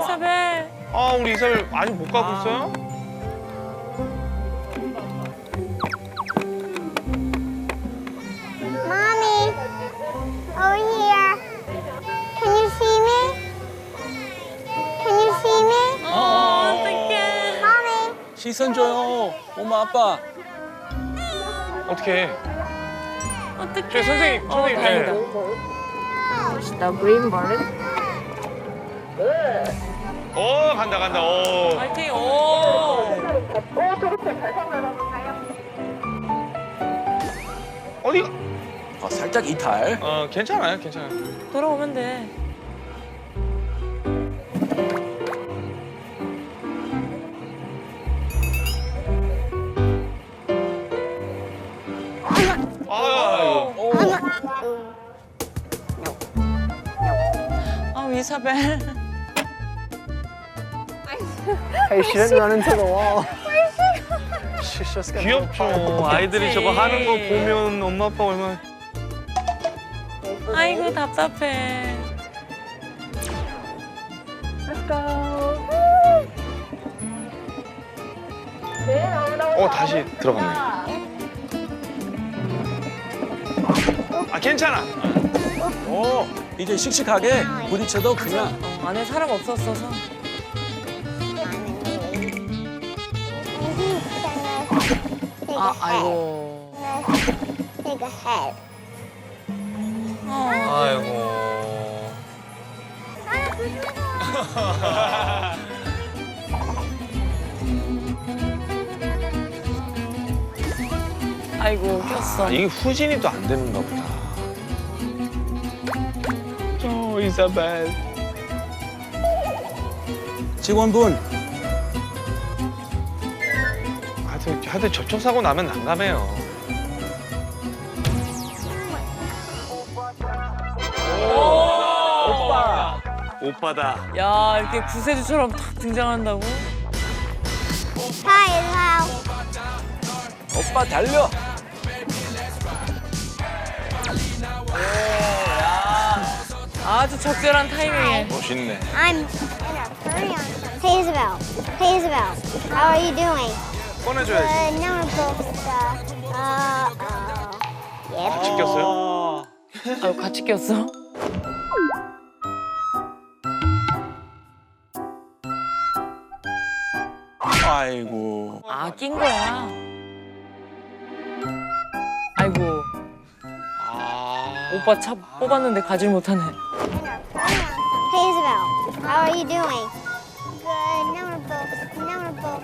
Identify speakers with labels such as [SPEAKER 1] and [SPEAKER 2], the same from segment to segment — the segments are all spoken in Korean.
[SPEAKER 1] 이사벨.
[SPEAKER 2] 아, 우리 이사벨 아직 못 가고 있어요?
[SPEAKER 3] Mommy, over here. Can you see me? Can you see me?
[SPEAKER 1] 어떡해.
[SPEAKER 3] Mommy.
[SPEAKER 4] 시선 줘요. 엄마, 아빠.
[SPEAKER 2] 어떻게 해?
[SPEAKER 1] 어떡해.
[SPEAKER 2] 저 선생님, 선생님.
[SPEAKER 1] 다행이다.
[SPEAKER 5] The green balloon.
[SPEAKER 2] 간다, 간다. 오.
[SPEAKER 1] 파이팅. 오.
[SPEAKER 2] 어디가?
[SPEAKER 4] 살짝 이탈.
[SPEAKER 2] 괜찮아요, 괜찮아요.
[SPEAKER 1] 돌아오면 돼.
[SPEAKER 2] 아유.
[SPEAKER 1] 아, 이사벨.
[SPEAKER 6] Hey, she didn't run into the wall. She's just gonna.
[SPEAKER 2] 귀엽죠. 아이들이 저거 하는 거 보면 엄마 아빠 얼마나.
[SPEAKER 1] 아이고, 답답해.
[SPEAKER 2] 다시 들어갔네. 괜찮아.
[SPEAKER 4] 이제 씩씩하게 부딪혀도 그냥.
[SPEAKER 1] 안에 사람 없었어서. 아이고.
[SPEAKER 3] Take a head.
[SPEAKER 2] 아이고.
[SPEAKER 1] 아이고, 꼈어.
[SPEAKER 2] 이게 후진이 또 안 되는가 보다. 이사벨.
[SPEAKER 4] 직원분.
[SPEAKER 2] 하여튼 접촉사고 나면 난감해요. 오빠. 오빠다.
[SPEAKER 1] 야, 이렇게 구세주처럼 탁 등장한다고?
[SPEAKER 3] Hi, how?
[SPEAKER 4] 오빠 달려.
[SPEAKER 1] 아주 적절한 타이밍에.
[SPEAKER 2] 멋있네.
[SPEAKER 3] I'm Hey, Isabel. Hey, Isabel. How are you doing?
[SPEAKER 2] 꺼내줘야지.
[SPEAKER 3] No, Yep.
[SPEAKER 2] 같이 꼈어요?
[SPEAKER 1] 아유, 같이 꼈어?
[SPEAKER 4] 아이고.
[SPEAKER 1] 아, 낀 거야. 아이고, 오빠 차 뽑았는데 가질 못하네.
[SPEAKER 3] Hey, Isabel. How are you doing? Good. No,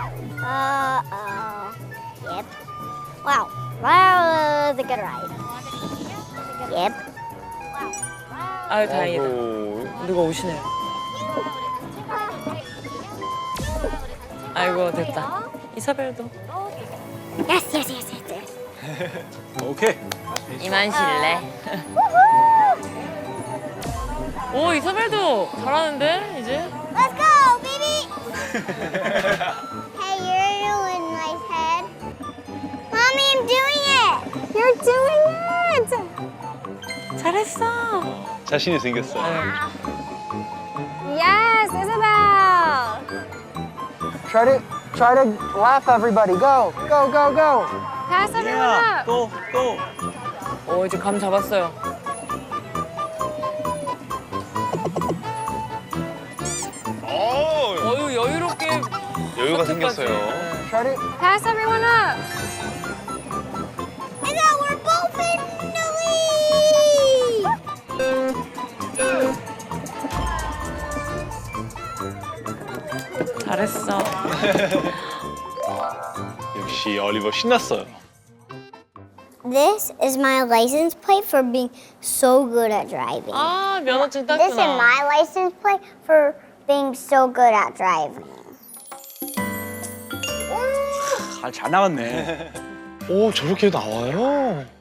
[SPEAKER 3] Yep. Wow. Wow, was a good ride. Yep.
[SPEAKER 1] 아유, 다행이다. 누가 오시네요. 아이고, 됐다. 이사벨도.
[SPEAKER 3] Yes.
[SPEAKER 4] 오케이.
[SPEAKER 1] 이만 실래. 오, 이사벨도 잘하는데, 이제?
[SPEAKER 3] Let's go, baby. Hey, you're doing nice head. Mommy, I'm doing it. You're doing it.
[SPEAKER 1] 잘했어.
[SPEAKER 2] 자신이 생겼어.
[SPEAKER 5] Yes, Isabel.
[SPEAKER 6] Try to laugh, everybody. Go.
[SPEAKER 5] Pass everyone up.
[SPEAKER 4] 또.
[SPEAKER 1] 오, 이제 감 잡았어요. 어유, 여유롭게.
[SPEAKER 2] 여유가
[SPEAKER 1] 커트까지.
[SPEAKER 2] 생겼어요.
[SPEAKER 6] Try to.
[SPEAKER 5] Pass everyone up.
[SPEAKER 3] Isabel, we're both in the lead.
[SPEAKER 1] 잘했어.
[SPEAKER 2] 역시 올리버 신났어요.
[SPEAKER 3] This is my license plate for being so good at driving.
[SPEAKER 1] 아, 면허증
[SPEAKER 3] This is
[SPEAKER 1] 땄구나.
[SPEAKER 3] my license plate for being so good at driving.
[SPEAKER 4] 잘 나왔네.
[SPEAKER 2] 오, 저렇게 나와요?